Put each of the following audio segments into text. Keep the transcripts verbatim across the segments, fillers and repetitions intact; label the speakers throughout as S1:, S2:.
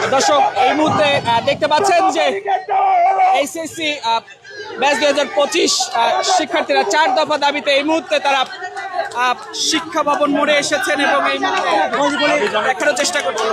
S1: দর্শক এই মুহূর্তে দেখতে পাচ্ছেন যে এইচএসসি ব্যাচ দুই হাজার পঁচিশ শিক্ষার্থীরা চার দফা দাবিতে এই মুহূর্তে তারা শিক্ষা ভবন মোড়ে এসেছেন এবং এই মুহূর্তে দেখানোর চেষ্টা করছেন।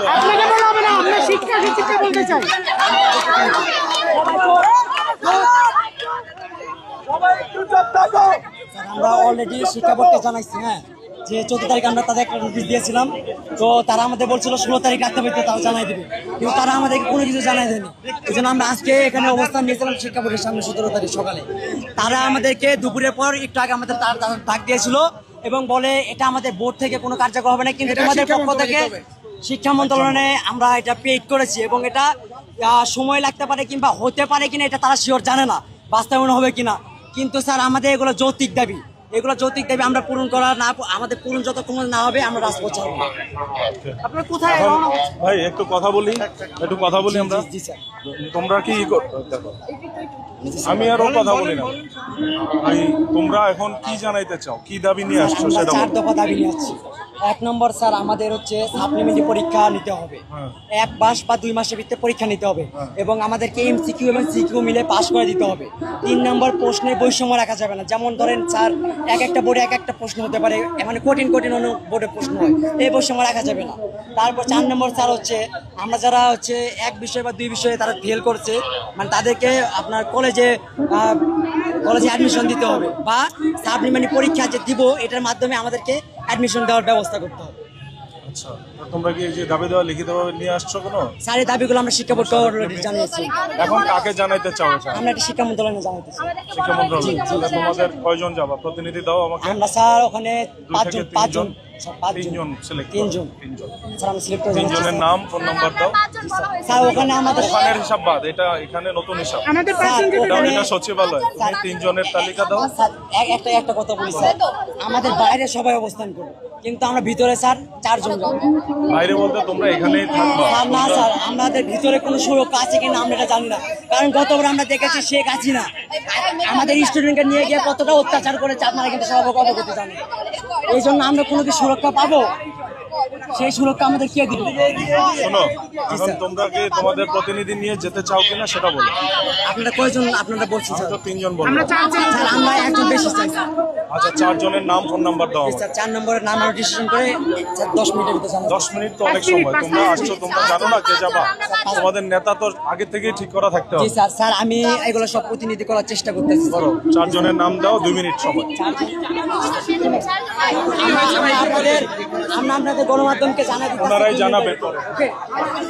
S2: আমরা অলরেডি শিক্ষা বোর্ডকে জানাইছি, হ্যাঁ, যে চোদ্দ তারিখ আমরা তাদের একটা নোটিশ দিয়েছিলাম। তো তারা আমাদের বলছিল ষোলো তারিখ রাখতে পারতে তারা জানাই দেবে, কিন্তু তারা আমাদেরকে কোনো কিছু জানাই দেয়নি। এই জন্য আমরা আজকে এখানে অবস্থান নিয়েছিলাম শিক্ষা বোর্ডের সামনে সতেরো তারিখ সকালে। তারা আমাদেরকে দুপুরের পর একটু আগে আমাদের তার ডাক দিয়েছিল এবং বলে এটা আমাদের বোর্ড থেকে কোনো কার্যকর হবে না, কিন্তু তোমাদের পক্ষ থেকে শিক্ষা মন্ত্রণালয়ে আমরা এটা পেইড করেছি এবং এটা সময় লাগতে পারে কিংবা হতে পারে কিনা এটা তারা শিওর জানে না, বাস্তবায়ন হবে কিনা। কিন্তু স্যার আমাদের এগুলো যৌক্তিক দাবি, এগুলো যৌক্তিক দাবি আমরা পূরণ করা না, আমাদের পূরণ যতক্ষণ না হবে আমরা রাজপথ ছাড়ব। আপনারা কোথায়
S3: ভাই একটু কথা বলি, একটু কথা বলি আমরা।
S2: জি স্যার,
S3: তোমরা কি দেখো, আমি আরো কথা বলি না ভাই, তোমরা এখন কি জানাইতে চাও, কি দাবি নিয়ে আসছো সেটা
S2: চার দফা দাবি নিয়ে আসছি। এক নম্বর স্যার আমাদের হচ্ছে সাপ্লিমেন্টারি পরীক্ষা নিতে হবে, এক মাস বা দুই মাসের ভিতরে পরীক্ষা নিতে হবে এবং আমাদেরকে এমসিকিউ এবং সিকিউ মিলে পাস করে দিতে হবে। তিন নম্বর প্রশ্নের বৈষম্য রাখা যাবে না, যেমন ধরেন স্যার এক একটা বোর্ডে এক একটা প্রশ্ন হতে পারে, মানে কঠিন কঠিন অন্য বোর্ডে প্রশ্ন হয়, এই বৈষম্য রাখা যাবে না। তারপর চার নম্বর স্যার হচ্ছে আমরা যারা হচ্ছে এক বিষয় বা দুই বিষয়ে তারা ফেল করছে, মানে তাদেরকে আপনার কলেজে কলেজে অ্যাডমিশন দিতে হবে বা সাপ্লিমেন্টারি পরীক্ষা যে দিব এটার মাধ্যমে আমাদেরকে অ্যাডমিশন দেওয়ার ব্যবস্থা করতে হবে।
S3: আচ্ছা, তোমরা কি এই যে দাবি দেওয়া লিখিতভাবে নিয়ে আসছো কোনো?
S2: স্যার এই দাবিগুলো আমরা শিক্ষা বোর্ডকে অলরেডি জানিয়েছি।
S3: এখন কাকে জানাইতে চাও?
S2: আমরা এটা শিক্ষা মন্ত্রণালয়ে জানাইতেছি।
S3: শিক্ষা মন্ত্রণালয়। তোমাদের কয়জন যাবা? প্রতিনিধি দাও আমাকে।
S2: আমরা স্যার ওখানে পাঁচজন পাঁচজন
S3: তিনজন সিলেক্ট
S2: তিনজন
S3: তিনজন
S2: স্যার আমরা সিলেক্ট করে
S3: তিনজনের নাম ফোন নাম্বার দাও।
S2: স্যার ওখানে আমাদের
S3: ওখানের হিসাব বাদ, এটা এখানে নতুন হিসাব, এটা এটা সচিবালয়। তুমি তিনজনের তালিকা দাও।
S2: স্যার একটা একটা কথা বলি স্যার, আমাদের বাইরে সবাই অবস্থান করবে কিন্তু আমরা ভিতরে স্যার চারজন যাব।
S3: বাইরে বলতে তোমরা এখানেই থাকবা?
S2: স্যার না স্যার, আমাদের ভিতরে কোনো সুরক্ষা আছে কিনা আমরা এটা জানি না, কারণ গতবার আমরা দেখেছি শেখ হাসিনা আমাদের স্টুডেন্টকে নিয়ে গিয়ে কতটা অত্যাচার করেছে আপনারা কিন্তু সব অবগত জানেন। এই জন্য আমরা কোনো কি সুরক্ষা পাবো? সেই সুরক্ষা আমাদের কে দিবে?
S3: শোনো, এখন তোমরা কি তোমাদের প্রতিনিধি নিয়ে যেতে চাও কিনা সেটা বলো।
S2: আপনারা কয়জন আপনারা বলছেন?
S3: তো তিনজন বলবো।
S2: স্যার আমরা একজন বেশি চাই।
S3: আচ্ছা, চারজনের নাম ফোন নাম্বার দাও।
S2: স্যার চার নম্বরের নাম আমরা ডিসিশন করে স্যার দশ মিনিটের ভিতরে জানাবো।
S3: দশ মিনিট তো অনেক সময়, তোমরা আসছো, তোমরা জানো না কে যাবা? তোমাদের নেতা তো আগে থেকেই ঠিক করা থাকতে হবে।
S2: জি স্যার, স্যার আমি এগুলো সব প্রতিনিধি করার চেষ্টা করতেছি।
S3: করো, চারজনের নাম দাও, দুই মিনিট সময়।
S2: আমরা আপনাদের আমরা আপনাদের গণমাধ্যমকে জানাবো,
S3: ওনারাই জানাবেন।